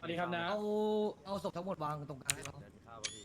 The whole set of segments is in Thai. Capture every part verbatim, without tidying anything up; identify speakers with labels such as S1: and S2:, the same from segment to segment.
S1: วัสดีครับนะ
S2: เอาเอาศพทั้งหมดวางตรงกลางให้เขา
S3: เดี๋ยวมีข้าวป่ะพี่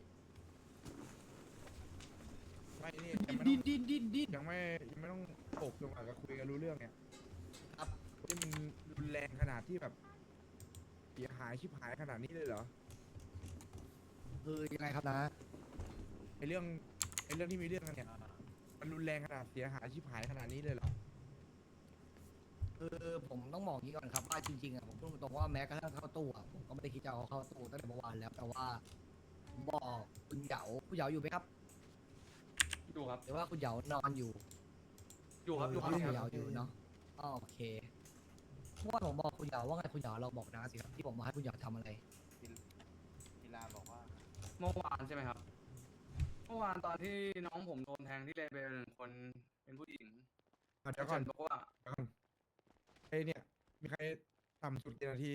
S4: ไม่นี่ยังไม่
S2: ดิ
S4: ต้อง
S2: นดินดินดิน
S4: ยังไม่ยังไม่ต้องตกลงอาจจะคุยกันรู้เรื่องเนี่ย
S2: ครับ
S4: ที่มันรุนแรงขนาดที่แบบเสียหายชิบหายขนาดนี้เลยเหรอ
S2: คือยังไงครับนะ
S4: ไอเรื่องไอเรื่องที่มีเรื่องกันเนี่ยมันรุนแรงขนาดเสียหายชิบหายขนาดนี้เลยเหรอ
S2: คือผมต้องบอกอย่างนี้ก่อนครับว่าจริงๆอ่ะผมพูดตรงๆว่าแม้กระทั่งเข้าตู้อ่ะผมก็ไม่ได้คิดจะเอาเข้าตู้ตั้งแต่เมื่อวานแล้วแต่ว่าผมบอกคุณเหยาคุณเหยาอยู่ไหมครับ
S1: อยู่ครับ
S2: หรือว่าคุณเหยานอนอยู่
S1: อยู่ครับ อยู่ค
S2: คุ
S1: รับ
S2: ณเหยาอยู่เนาะอ๋อโอเคเมื่อวานผมบอกคุณเหยาว่าไงคุณเหยาเราบอกนะสิครับที่ผมมาให้คุณเหยาทำอะไร
S3: กีฬาบอกว่า
S1: เมื่อวานใช่ไหมครับ เมื่อวานตอนที่น้องผมโดนแทงที่เลเบลหนึ่งคนเป็นผู้หญิง
S4: อ่ะเดี๋ยวก่อน
S1: บอกว่า
S4: เดี๋ยวก่อนไอเนี่ยมีใครต่ำสุดกี่นาที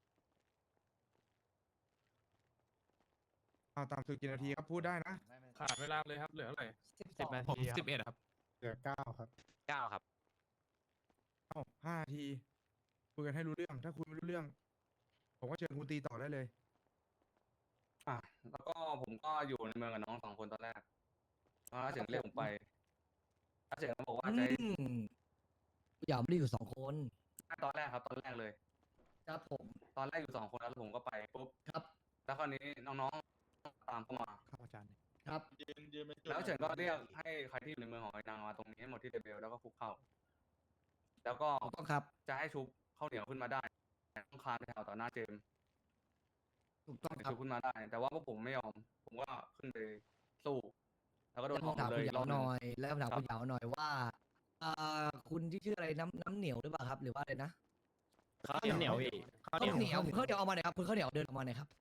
S4: เอาต่ำสุดกี่นาทีครับพูดได้นะ
S3: ไม่ไม่
S5: ขาดเวลาเลยครับเหลือเท่าไหร่
S2: สิบ
S5: สิบนาทีสิบเอ็ดครับ
S4: เหลือเก้าครับ
S3: เก้าครับ
S4: เอ้าห้านาทีคุยกันให้รู้เรื่อง ถ้าคุยไม่รู้เรื่อง ผมก็เชิญคุณตีต่อได้เลย
S1: อ่ะแล้วก็ผมก็อยู่ในเมืองกับน้องสองคนตอนแรกแล้วอาเฉิงเรียกผมไปอาเฉิงบอกว่า
S2: อื
S1: จะให้
S2: มคุณเหยาไม่ได้อยู่สองคน
S1: ตอนแรกครับ ตอนแรกเลย
S2: ครับผม
S1: ตอนแรกอยู่สองคนแล้วผมก็ไปปุ๊บ
S2: ครับ
S1: แล้วคราวนี้น้องๆตามเข้ามา
S4: ครับอาจารย์
S2: ครับ
S1: แล้วเฉินก็เรียกให้ใครที่อยู่ในเมืองของไอ้นางมาตรงนี้ให้หมดที่เลเบลแล้วก็คุกเข่าแล้วก็
S2: ถูกต้องครับ
S1: จะให้ชุบข้าวเหนียวขึ้นมาได้ต้องคานไปแถวต่อหน้าเจมส์
S2: ถูกต้อง
S1: ถึง
S2: ครับ
S1: ชุบขึ้นมาได้ แต่ว่าพวกผมไม่ยอม ผมก็ขึ้นไปสู้ แล้วก็โด
S2: แล้
S1: น
S2: ว
S1: ห
S2: ผ
S1: อ
S2: ม
S1: ม
S2: ถาม
S1: เล
S2: คุณ
S1: ย
S2: เหยาร
S1: อบห
S2: ห
S1: นึ่ง
S2: น่อย แล้วผมถาม
S1: ครับ
S2: คุณเหยาหน่อยว่าอ่าคุณที่ชื่ออะไรน้ำน้ำเหนียวหรือเปล่าครับ หรือว่าอะไรนะ
S5: ข้าวเหนียวพี่ข้าว
S2: ข้าว
S5: เหนียว
S2: เหนียวข้าวเหนียวเอามาหน่อยครับคุณข้าวเหนียวเดินออกมาหน่อยครับ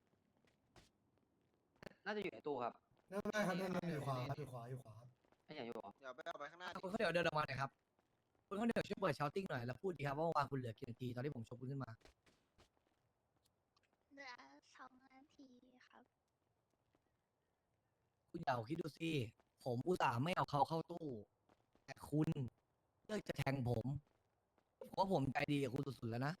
S6: น่าจะอยู่ในตู้ครับ
S7: ไม่ไม่ครับนั่นอยู่ขวาครับอยู่ขวาอยู่ขวาครับ
S6: ไม่อยากอยู่หรอ
S3: เดี๋ยวไปเอาไปข้างหน้าดิ
S2: คุณข้าวเหนียวเดินออกมาหน่อยครับคุณข้าวเหนียวช่วยเปิดชาวติ้งหน่อยแล้วพูดดีครับว่าเมื่อวานคุณเหลือกี่นาทีตอนที่ผมชกคุณขึ้นมา
S8: เหลือสองนาทีครับ
S2: คุณเหยาคิดดูสิผมอุตส่าห์ไม่เอาเขาเข้าตู้ แต่คุณเลือกจะแทงผมผมว่าผมใจดีกับคุณสุดๆแล้วนะ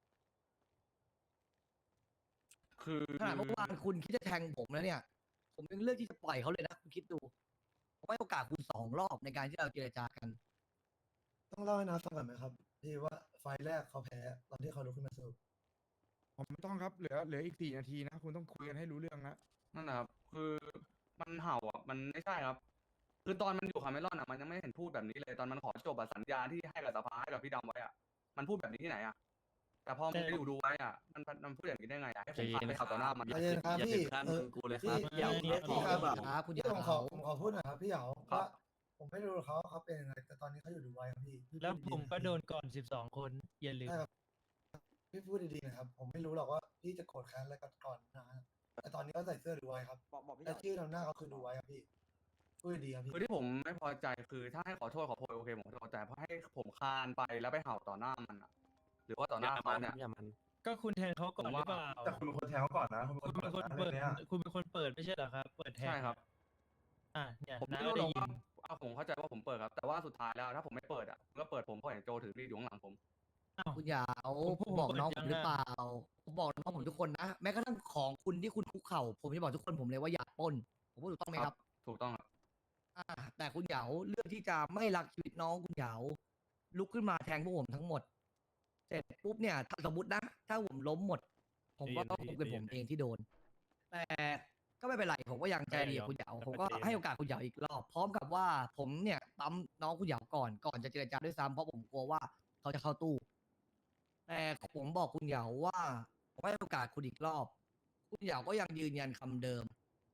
S1: คือ
S2: ขนาดเมื่อวานคุณคิดจะแทงผมแล้วเนี่ย ผมยังเลือกที่จะปล่อยเขาเลยนะคุณคิดดูผมให้โอกาสคุณสองรอบในการที่เราเจรจากัน
S7: ต้องเล่าให้น้าฟังก่อนไหมครับที่ว่าไฟล์แรกเขาแพ้ตอนที่เขาลุกขึ้นมาสู้
S4: ผมไม่ต้องครับเหลือเหลืออีกสี่นาทีนะคุณต้องคุยกันให้รู้เรื่องนะ
S1: นั่นนะครับ คือมันเห่าอ่ะ มันไม่ใช่ครับ คือตอนมันอยู่คาเมลอนอ่ะ มันยังไม่เห็นพูดแบบนี้เลย ตอนมันขอจบอะสัญญาที่ให้กับสภาให้กับพี่ดำไว้อ่ะ มันพูดแบบนี้ที่ไหนอ่ะ แต่พอมันไปอยู่ดูไว้อ่ะ มันมันพูดอย่างนี้ได้ไงอ่ะให้ผมพาไปขับต่อหน้ามัน
S7: ใจเย็นครับ
S3: อย่า
S7: พี่
S3: ถึงขั้น
S7: เออ
S3: กูเลยค
S7: พี่
S3: รับ
S7: พี่
S3: อย่า
S7: พี่
S3: พี่
S7: ครับ
S2: ครับคุณเห
S7: พี่
S2: ยา
S7: ผมขอผมขอพูดหน่อยครับพี่เหยา
S1: ครับ
S7: ว่าผมไม่รู้เขาเขาเป็นยังไงแต่ตอนนี้เขาอยู่ดูไว้ครับพี่พี่
S5: แล้ว
S7: พู
S5: ผม
S7: ๆ
S5: ก็
S7: นะ
S5: โดนก่อนสิบสองคน อย่าลืม
S7: ใช่ครับพี่พูดดีๆนะครับผมไม่รู้หรอกว่าพี่จะโกรธแค้นอะไรกันก่อนนะแต่ตอนนี้เขาใส่เสื้อดูไว้ครับ
S3: บอกบอกพี่
S7: แต่ชื่อนำหน้าเขาคือดูไว้ครับพี่พูดดีๆครับพี่
S1: คือที่ผมไม่พอใจคือถ้าให้ขอโทษขอโพยโอเคผมขอโทษแต่พอให้ผมคานไปแล้วไปเห่าต่อหน้ามันอ่ะ หรือว่าต่อหน้าเขาเนี่ย
S3: อย่ามัน
S5: ก็คุณแทงเขาก่อนหรือเปล่า
S7: แต่คุณเป็นคนแทงเขาก่อนนะคุณ
S5: คุณเป็นคนเปิด คุณเป็นคนเปิดไม่ใช่เหรอครับ เปิดแทง
S1: ใช่ครับ
S5: อ่ะเนี่ย
S1: ผม
S5: น้า
S1: ไม่
S5: ก็
S1: รู้หร
S5: ได้
S1: อก
S5: ยิ
S1: ว่าน เอาผมเข้าใจว่าผมเปิดครับ แต่ว่าสุดท้ายแล้วถ้าผมไม่เปิดอ่ะผมก็เปิดผมเพราะเห็นโจถือมีดอยู่ข้างหลังผม
S5: อ้าว
S2: คุณเหยา
S5: ผมพู
S2: ผ
S5: ด
S2: มบอก
S5: ผม
S2: น้อง
S5: เปิ
S2: ผ
S5: ด
S2: มหรือ
S5: ยังอะ
S2: เปล่าผมบอกน้องผมทุกคนนะแม้กระทั่งของคุณที่คุณคุกเข่าผมจะบอกทุกคนผมเลยว่าอย่าปล้นผมพูดถูกต้องไหมครับ
S1: ถูกต้องครับ
S2: อ่าแต่คุณเหยาเลือกที่จะไม่รักชีวิตน้องคุณเหยาลุกขึ้นมาแทงพวกผมทั้งหมด เสร็จปุ๊บเนี่ยถ้าสมมตินะ ถ้าผมล้มหมด ผมก็ต้องเป็นผมเองที่โดน แต่ก็ไม่เป็นไรผมก็ยังใจดีกับคุณเหยาผมก็ให้โอกาสคุณเหยาอีกรอบ พร้อมกับว่าผมเนี่ยปั๊มน้องคุณเหยาก่อนก่อนจะเจรจาด้วยซ้ำเพราะผมกลัวว่าเขาจะเข้าตู้ แต่ผมบอกคุณเหยาว่าผมให้โอกาสคุณอีกรอบ คุณเหยาก็ยังยืนยันคำเดิม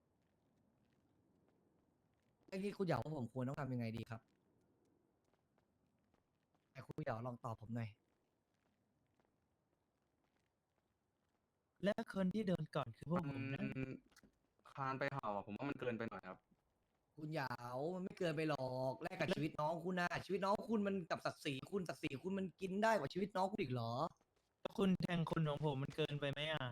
S2: ไอ้ที่คุณเหยาว่าผมควรต้องทำยังไงดีครับแต่คุณเหยาลองตอบผมหน่อย
S5: และคนที่โดนก่อนคือพวกผม
S1: มั
S5: นะ
S1: นคานไปเห่าอะผมว่ามันเกินไปหน่อยครับ
S2: คุณเหยามันไม่เกินไปหรอกแลกกับชีวิตน้องคุณนะชีวิตน้องคุณมันกับศักดิ์ศรีคุณศักดิ์ศรีคุณมันกินได้กว่าชีวิตน้องคุณอีกเหรอ
S5: ถ้าคุณแทงคนของผมมันเกินไปไหมอ่ะ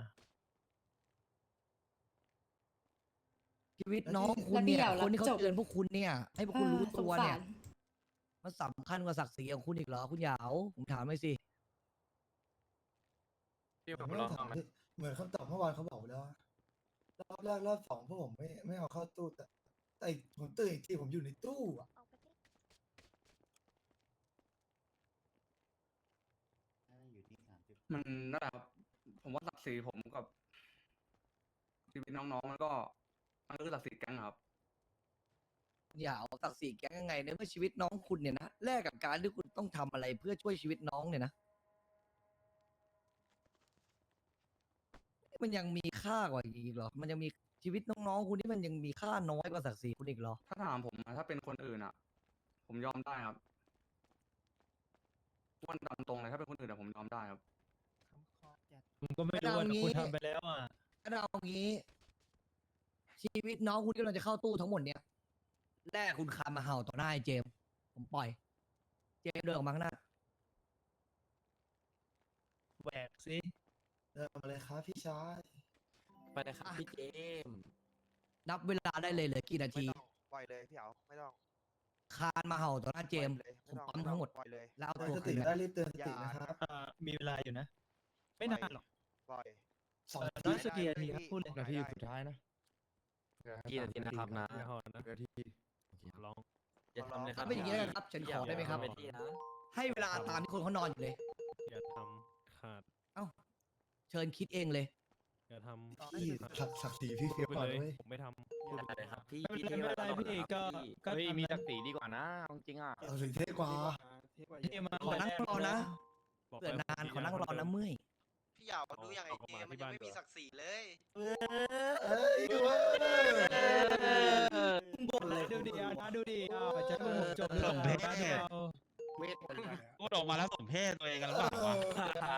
S2: ชีวิตน้องคุณเนี่ย
S8: แล้วพี่เหยา
S2: คนที่เขา
S8: รับจบ
S2: เตือนพวกคุณเนี่ย ให้พวกคุณรู้ตัวเนี่ย
S8: สงสาร
S2: มันสำคัญกว่าศักดิ์ศรีของคุณอีกเหรอคุณเหยาผมถามหน่อยสิ
S6: พี่
S7: ผ
S6: ผม ม
S7: ไม่
S6: ล
S7: ต้
S6: อ
S7: อง งถาม
S6: ทำไหม
S7: พี่เหมือนคำตอบเมื่อวานเขาบอกไปแล้วว่ารอบแรกรอบสองพวกผมไม่ไม่เอาเข้าตู้แต่แต่อีกผมตื่นอีกทีผมอยู่ในตู้อะ
S8: ออกไปดิ
S1: มันนั่นแหละครับผมว่าศักดิ์ศรีผมกับชีวิตน้องๆมันก็มันก็คือศักดิ์ศรีแก๊งอะครับ
S2: อย่าเอาศักดิ์ศรีแก๊งยังไงในเมื่อชีวิตน้องคุณเนี่ยนะแลกกับการที่คุณต้องทำอะไรเพื่อช่วยชีวิตน้องเนี่ยนะมันยังมีค่ากว่าอีกเหรอมันยังมีชีวิตน้องๆคุณที่มันยังมีค่าน้อยกว่าศักดิ์ศรีคุณอีกเหรอ
S1: ถ้าถามผมอะถ้าเป็นคนอื่นอ่ะ ผมยอมได้ครับวันตามตรงเลยถ้าเป็นคนอื่นอะผมยอมได้ครับ
S5: ผมก็ไม่รู้ว่าแต่คุณทำไปแล้วอ่ะ
S2: ถ้าเราเอางี้ ชีวิตน้องคุณที่กำลังจะเข้าตู้ทั้งหมดเนี่ยแรกคุณคามาเห่าต่อหน้าไอ้เจมส์ผมปล่อย เจมส์เดินออกมาข้างหน้า
S5: แหวกสิ
S7: เดินมาเลยครับพี่ชาย
S6: ไปเลยครับพี่เจมส์
S2: นับเวลาได้เลยเหลือกี่นา
S3: ไม่
S2: ที
S3: ต้องปล่อยเลยพี่เอาไม่ต้อง
S2: คานมาเห่าต่อหน้าเจมส์
S3: ปล่อยเลย
S2: ผม
S3: ไต้อง
S2: ปั๊มทั้งหมด
S3: ปล่อยเลย
S2: แล้วเอา
S7: ปล่อย
S2: ตัว
S7: ส
S2: คื
S7: ติ
S2: น
S7: ได้
S2: มา
S7: รีบเตือนสตินะครับ
S5: อ่ามีเวลาอยู่นะ ไม่นานหรอก
S3: ปล่อย
S7: สอง
S5: เออ
S7: ที
S5: น้อยสักกี่นาทีครับพูดเลย
S4: นาทีสุดท้ายนะ
S6: กี่นาทีนะครับนะ
S4: นาที
S6: ลองอย่าทำเลยค
S2: ถ้า
S6: รับ
S2: เป็นอย่างนี้นะครับฉันขอได้ไหมครับ
S6: อย่าทำปที่นะ
S2: ให้เวลาตามที่คนเขานอนอยู่เลย
S6: อย่าทำขาด
S2: เชิญคิดเองเลย
S6: อย่าทำ
S7: พี่ศักดิ์ศักดิ์ศรีพี่เฟียบกว่าด้วย
S6: ผมไม่ทำอย่าเลยครับพี่
S5: ไม่เป็นไรไม่เป็นไรพี่ก็ก็
S6: เฮ้ย
S5: ทำ
S6: มี
S5: นะ
S6: ศักดิ์ศรีดีกว่านะจริงอ่ะ
S7: เอาสิเท่กว่า
S5: ที่มา
S2: ขอนั่งรอนะ
S6: บอก
S2: เกิด
S6: ไป
S2: นานขอนั่งรอนะเมื่อย
S3: พี่อยาวดูอย่างไอเจมันยังไม่มีศักดิ์ศรีเลย
S7: เอ้ยเว้ย
S5: บ่นเลยดูดิอ่ะนะดูดิอ่ะจะกูจบ
S9: สมเพศ
S6: เวท
S9: พูดออกมาแล้วสมเพศตัวเองกันหรือเปล่าวะ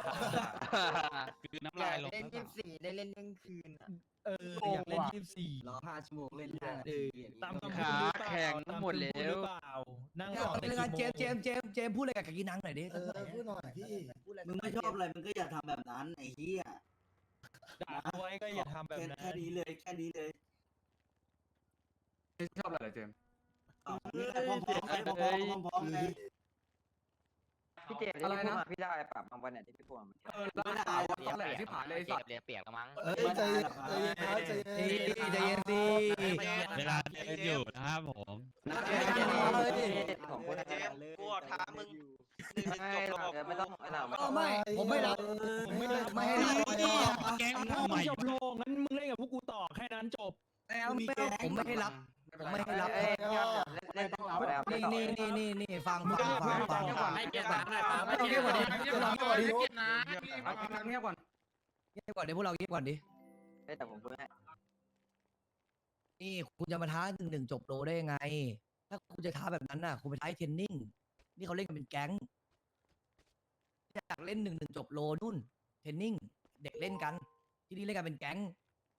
S9: คือน้ำลายลง
S10: เล่นยี่สิบสี่ได้เล่นเที่ยงคืนอะ
S5: เอออยากเล่นยี่สิบสี่
S10: รอห้าชั่วโมงเล่นได้เออ
S5: ตามคำพูดหรือเปล่า
S10: แข่งทั้งหมดแล้ว
S5: ตาคำพูหรือเปล่านั่ง
S2: เอา
S5: ต่อ
S2: เป็นไงเจมส์เจมส์เจมส์เจมส์พูดอะไรกับกากินังหน่อยดิ
S7: เออพูดหน่อยพี่
S10: มึงไม่ชอบอะไรมึงก็อย่าทำแบบนั้นไอ้เหี้ย
S5: ด่าเอาไว้ก็อย่าทำแบบ
S10: แค่
S5: นั้น
S10: แค่นี้เลยแค่นี้เลย
S1: ไม่ชอบอะไรเหรอเจมส์
S10: เอานี่แค่พร้อมๆกันพร้อมๆพร้อมๆกัน
S11: พี่เจมส์
S1: อะไรนะ
S11: พี่ได้ปรับบางวันเนี่ยที่พี่พูดมา
S1: เออแล้วถามว่าแหละที่ผ่านเลยไอ้สัตว์
S6: เรียกเปียกแล้วมั้ง
S7: เอ้ยใจเย็นใจเย็นครับใจ
S2: เฮ้ย
S7: เย็น
S2: ใจเย็นสิ
S9: เวลาเล่นอยู่นะครับผม
S11: ผมพูด
S3: เจมกูออกท้ามึงหนึ่งหนึ่งจบแล้วบอก
S11: ไม่ต้องไม่ต้องไม่
S2: ก็
S11: ต้อง
S2: ไม่ ผมไม่รับ ผมไม่รับไม่ให้รับ
S9: แก๊ง
S5: ถ้า
S9: ทำไม
S5: มึงจบโลงงั้นมึงเล่นกับพวกกูต่อแค่นั้นจบ
S2: ไม่เอาไม่เอาผมไม่ให้รับ ผมไม่ให้รับ
S11: เอ้ยเล่นต้องรับแล้ว
S2: นี่นี่นี่นี่นี่ฟังฟังฟังฟังฟัง
S6: ให้เกียรติน้ำหน่อยครับ
S2: ไม่ต้องเงียบกว่านี้ไม่ต้องเงียบกว่านี้
S1: เอากินน้ำเงียบก่อน
S2: เงียบก่อนดิพวกเราเงียบก่อนดิ
S11: แต่ผมพูดให้
S2: นี่คุณจะมาท้าหนึ่งหนึ่งจบโลได้ยังไง ถ้าคุณจะท้าแบบนั้นน่ะ คุณไปท้าเทรนนิ่ง นี่เขาเล่นกันเป็นแก๊ง อยากเล่นหนึ่งหนึ่งจบโลนู่น เทรนนิ่ง เด็กเล่นกัน ที่นี่เล่นกันเป็นแก๊ง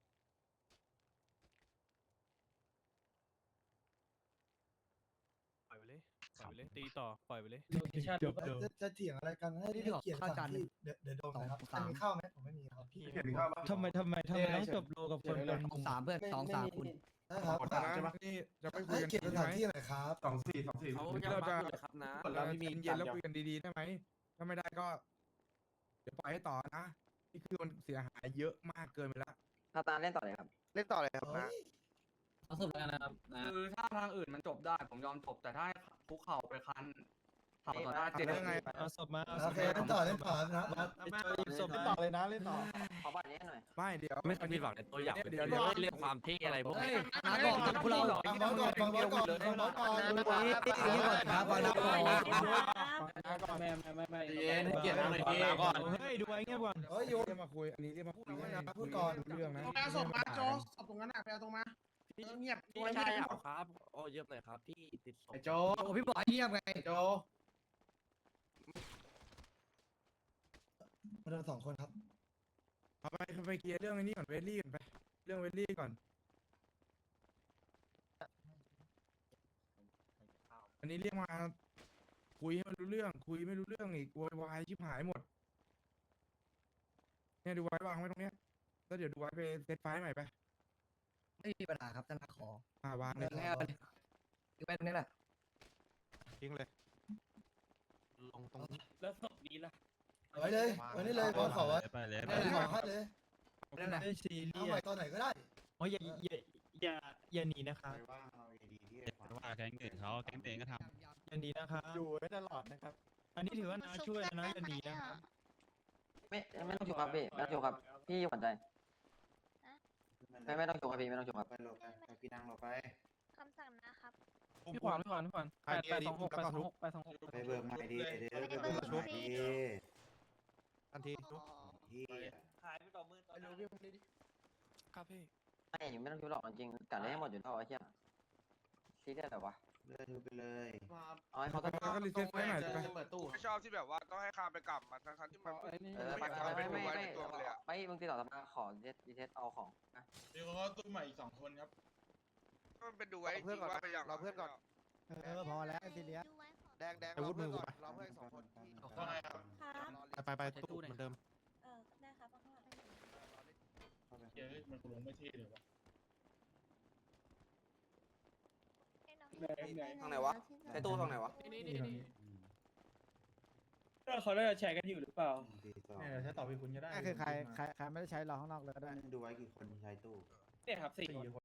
S6: ปล่อยไปเลยปล่อยไปเลยตีต่อปล่อยไปเลย
S5: จบจบ
S7: จะจะเถียงอะไรกันให้
S2: นี่
S7: ให้
S2: ที่บอก
S7: เกียรติ
S2: ข้าว
S7: สา
S2: จาน
S7: ม
S2: หนึ่
S7: ที่
S2: ง
S7: เดี๋ยวเดี๋ยวโดนนะครับ
S2: สอง
S7: มีข้าวไหมผมไม่มีครับพี่
S5: ทำไมทำไมทำไมต้องจบโลกับคนเป็น
S2: สองสามเพื่อนสองสามคุณ
S7: นะครับ
S4: ขอ
S7: สาม
S4: นะ
S7: ใช่ปะ
S4: นี่จะไม่คุ
S7: ให้
S4: ยกัน
S7: เกียรติส
S4: ใช่
S7: ถาน
S4: ไหม
S7: ที่หน่อยครับ
S4: สองสี่สองสี่
S6: เขา
S4: หรือ
S6: ยัง
S4: เรา
S6: มา
S4: จะ
S6: พูดเลยครับนะ
S4: เราจะเย็นๆแล้วคุยกันดีๆได้ไหมถ้าไม่ได้ก็ เดี๋ยวปล่อยให้ต่อนะนี่คือมันเสียหายเยอะมากเกินไปแล้ว
S11: ทาตาเล่นต่อเลยครับ
S3: เล่นต่อเลยครับนะ
S5: เอาสุดแล้วนะครับ
S1: คือถ้าทางอื่นมันจบได้ ผมยอมจบแต่ถ้าให้คุกเข่าไปคันเข่าต่อหน้าเจม
S4: แล้ว
S1: ส์
S4: ไง
S5: เอาศพมาเอาศ
S7: โอ
S5: พ
S7: เค
S5: มา
S7: เล่นต่อเล่นต่อนะนะ
S5: หยิบศพ
S3: เล่น
S5: มา
S3: ต่อเลยนะเล่นต่อ
S11: ขอบัตรนี้หน่อย
S4: ไม่เดี๋ยว
S6: ไม่เคยผิดหวังในตัวอย่าง
S4: เดี๋ยว
S6: เดี๋
S4: เดี๋
S6: ย
S4: ยว ว
S6: เรื่องความเท่อะไรพวก
S2: เฮ้ย
S6: นี้
S2: มาก่อนพวกเรา
S7: ฟังบอสก่อนฟังบอสก่อนฟังบอสก่อน
S2: นี่ก่อนครับฟังนะก่อน
S5: ไม่ไม่ไม่ไม่
S6: เย็นเกียรติหน่อยพี่ก่อน
S5: เฮ้ยดูไว้เงียบก่อน
S7: เฮ้ยโยน
S4: เรียกมาคุยอันนี้เรียกมาคุย
S7: พูดก่อน
S4: เรื่องนะ
S3: เอาศพมาโจศพตรงนั้นอ่ะไปเอาตรงมาเงียบ
S6: พี่ชายอ่ะครับโอ้เยี่ยมเลยครับพี่ติดศพ
S4: ไอ้โจ
S2: โอ้พี่บอยเงียบไง
S4: โจ
S7: มาเดินสองคนครับ
S4: เอาไปไปเคลียร์เรื่องไอ้นี้ก่อนเวลลี่ก่อนไปเรื่องเวลลี่ก่อน อันนี้เรียกมาคุยให้มันรู้เรื่อง คุยไม่รู้เรื่องอีกโวยวายชิบหายหมดเนี่ยดูไว้วางไว้ตรงเนี้ยแล้วเดี๋ยวดูไว้ไปเซตไฟล์ใหม่ไป
S2: ไม่มีปัญหาครับท่านขอ
S4: อ่าวางเล
S2: เดิ
S4: ย
S2: นแง่ไปอยู่ไปตรงนี้แหละ
S3: ทิ้งเลย
S6: ลงตรงนี้
S5: แล้วศพนี้ล่ะ
S7: ไว้เลยไว้นี่เลยบอลขอไว้
S9: ไปเลยไป
S7: ไว้
S9: เลย
S7: ขอให้เลย
S4: นั่นแหละ
S5: ไม่ซี
S7: เอา
S5: เรีย
S7: ใหม่
S5: ส
S7: ตอนไหนก็ได้
S5: โอ้ยอย่าอย่าอย่าอย่าหนีนะครับ
S9: ว่าแก๊งอื่นเขาแก๊งเองก็ทำ
S5: อย่าหนีนะครับ
S3: อยู่ไว้ตลอดนะครับ
S5: อันนี้ถือว่าน้าช่วยนะอย่าหนีนะครับ
S11: ไม่ไม่ต้องจุกครับพี่ไม่ต้องจุกครับพี่อยู่หัวใจไม่ไม่ต้องจุกครับพี่ไม่ต้องจุกครับ
S10: ไปหลบไปไปพี่นั่งหลบไป
S8: คำสั่งนะครับ
S5: พี่ขวานพี่ขวานพี่ขวานแปดแปดสองหกแปดสองหกแปดสองหก
S10: ไปเบิกใหม่ดีเดี๋ยว
S8: ไม่
S10: ไป
S8: ได้
S10: เบิ
S8: เบิ
S10: ก
S8: ก
S10: ใหม่
S8: ฟรี
S10: ดี
S4: ทันที
S8: โอ้
S10: เฮีย
S5: ครับพี่
S11: ไม่ไม่ต้องจุกหรอกจริงๆกัดได้ให้หมดอยู่เท่าไอ้เหี้ยซีเรียสแต่วะ
S10: เลิกไปเลย
S11: เอาให้เขาต้อง
S4: แล้วก็รีเซ็ตไว้หน่อยไป
S6: ไม่ชอบที่แบบว่าต้องให้ข้ามไปกลับมาทั้งๆที่มัน
S11: เออไม่ไม่ไม่ไม่ไม่มึงติดต่อสภาขอรีเซ็ตรีเซ็ตเอาของนะ
S6: มีคนเขาตู้ใหม่อีกสองคนครับมันเป็นดูไว้จริงว่าไปอย่างเราเพื่อนก่อน
S3: เออพอแล้วซีเรียส
S8: ดูไว้ก่อน
S6: แดงแดง
S4: อาวุธมือกูไป
S6: เราเพื่อนสองคน
S10: ว่าไง
S8: ครับ
S4: ไปไปตู้เหมือนเดิม
S8: เออได้ครับข้างหลัง
S6: เยอะมันลงไม่เท่เลยวะ
S8: ทางไหนวะ
S11: ไอ้ตู้ตรงไหนวะ
S3: นี่นี่นี่
S5: ก็เขาได้แชร์กันอยู่หรือเปล่า
S3: เนี่ยเดี๋ยวใช้ต่อไปคุณก็ได้คือใครใครใครไม่ได้ใช้รอข้างนอกเลยก็ได้
S10: ดูไว้กี่คนใช้ตู้
S5: เนี่ยครับสี่คน